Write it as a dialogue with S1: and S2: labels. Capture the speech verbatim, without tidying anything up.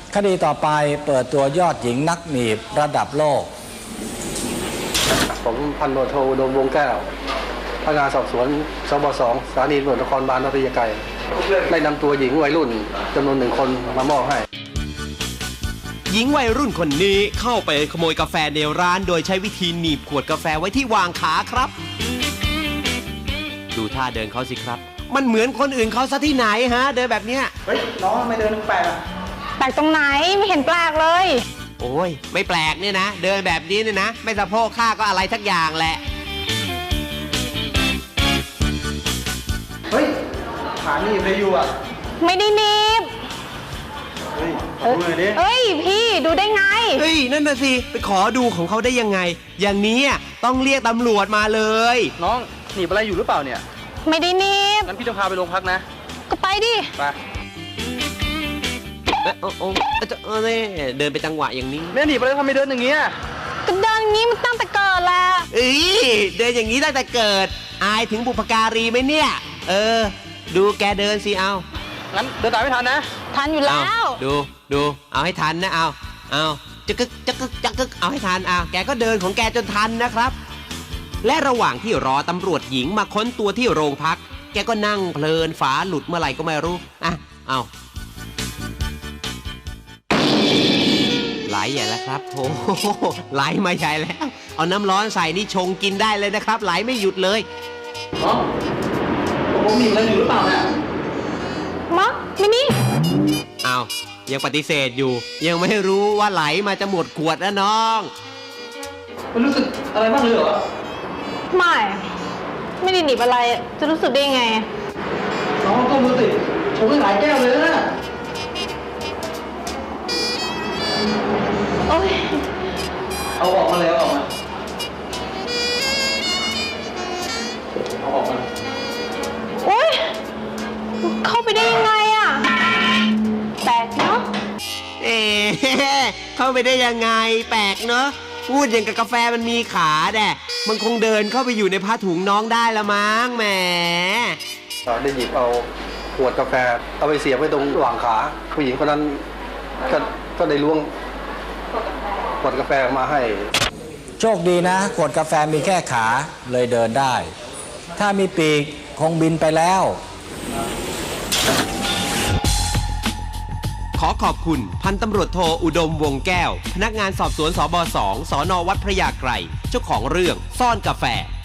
S1: คดีต่อไปเปิดตัวยอดหญิงนักหนีบระดับโลก
S2: ผมพันตำรวจโทอุดมวงแก้วพนักงานสอบสวนสบสองสถานีตำรวจนครบาลนครไกรได้นำตัวหญิงวัยรุ่นจำนวนหนึ่งคนมามอบให้
S3: หญิงวัยรุ่นคนนี้เข้าไปขโมยกาแฟในร้านโดยใช้วิธีหนีบขวดกาแฟไว้ที่วางขาครับดูท่าเดินเขาสิครับมันเหมือนคนอื่นเขาซะที่ไหนฮะเดินแบบเนี้ย
S2: เฮ้ยน้องทำไมเดินแปลกอะ
S4: แปลกตรงไหนไม่เห็นแปลกเลย
S3: โอ้ยไม่แปลกเนี่ยนะเดินแบบนี้เนี่ยนะไม่สะโพกข้าก็อะไรทักอย่างแหละ
S2: เฮ้ยขาหนีบเลยอยู่อ่ะ
S4: ไม่ได้หนีบ
S2: เฮ้ยขอดูหน่อยดิ
S4: เฮ้ยพี่ดูได้ไง
S3: เฮ้ยนั่นน่ะสิไปขอดูของเขาได้ยังไงอย่างนี้ต้องเรียกตำรวจมาเลย
S2: น้องหนีบอะไรอยู่หรือเปล่าเนี่ย
S4: ไม่ได้หนีบ
S2: งั้นพี่จะพาไปโรงพักนะ
S4: ก็ไปดิ
S2: ไป
S3: เออโอ้เออเดินไปจังหวะอย่างนี้
S2: แม่หนีบอะไรทำไมเดินอย่างเงี้ย
S4: ก็เดินอย่างงี้มันตั้งแต่เกิดแล้ว
S3: เอ้ยเดินอย่างนี้ตั้งแต่เกิดอายถึงบุพการีไหมเนี่ยเออดูแกเดินสิเอา
S2: งั้นเดินตามไม่ทันนะ
S4: ทันอยู่แล้ว
S3: ดูดูเอาให้ทันนะเอาเอาจะกึกจะกึกจะกึกเอาให้ทันเอาแกก็เดินของแกจนทันนะครับและระหว่างที่รอตำรวจหญิงมาค้นตัวที่โรงพักแกก็นั่งเพลินฝาหลุดเมื่อไหร่ก็ไม่รู้อ่ะเอาไหลใหญ่แล้วครับโอ้ไหลมาใหญ่แล้วเอาน้ำร้อนใส่นี่ชงกินได้เลยนะครับไหลไม่หยุดเลย
S2: อ๋อผมมีอะไรอยู่หรือเปล่าเนี่ย
S4: มะไม่มี
S3: อ้าวยังปฏิเสธอยู่ยังไม่รู้ว่าไหลมาจะหมดขวดแล้วน้อง
S2: มันรู้สึกอะไรบ้างเลยเหรอ
S4: ไม่ไม่ได้หนีบอะไรจะรู้สึกได้ไง
S2: น้องต้องรู้สึกชงให้หลายแก้วเลยนะ
S4: โอ้ย
S2: เอาออกมาเลยเอาออกมาเอาออกมา
S4: โอ้ยเข้าไปได้ยังไงอะแปลกเนาะ
S3: เอ๊ะเข้าไปได้ยังไงแปลกเนาะพูดอย่างกับกาแฟมันมีขาแด่มันคงเดินเข้าไปอยู่ในผ้าถุงน้องได้ละมั้งแหม
S2: ได้หยิบเอาขวดกาแฟเอาไปเสียบไว้ตรงหว่างขาผู้หญิงคนนั้นก็ก็ได้ล้วงขวดกาแฟมาให้
S1: โชคดีนะขวดกาแฟมีแค่ขาเลยเดินได้ถ้ามีปีกคงบินไปแล้ว
S3: ขอขอบคุณพันตำรวจโทอุดมวงแก้วพนักงานสอบสวนสบสองสนวัดพระยาไกรเจ้าของเรื่องซ่อนกาแฟ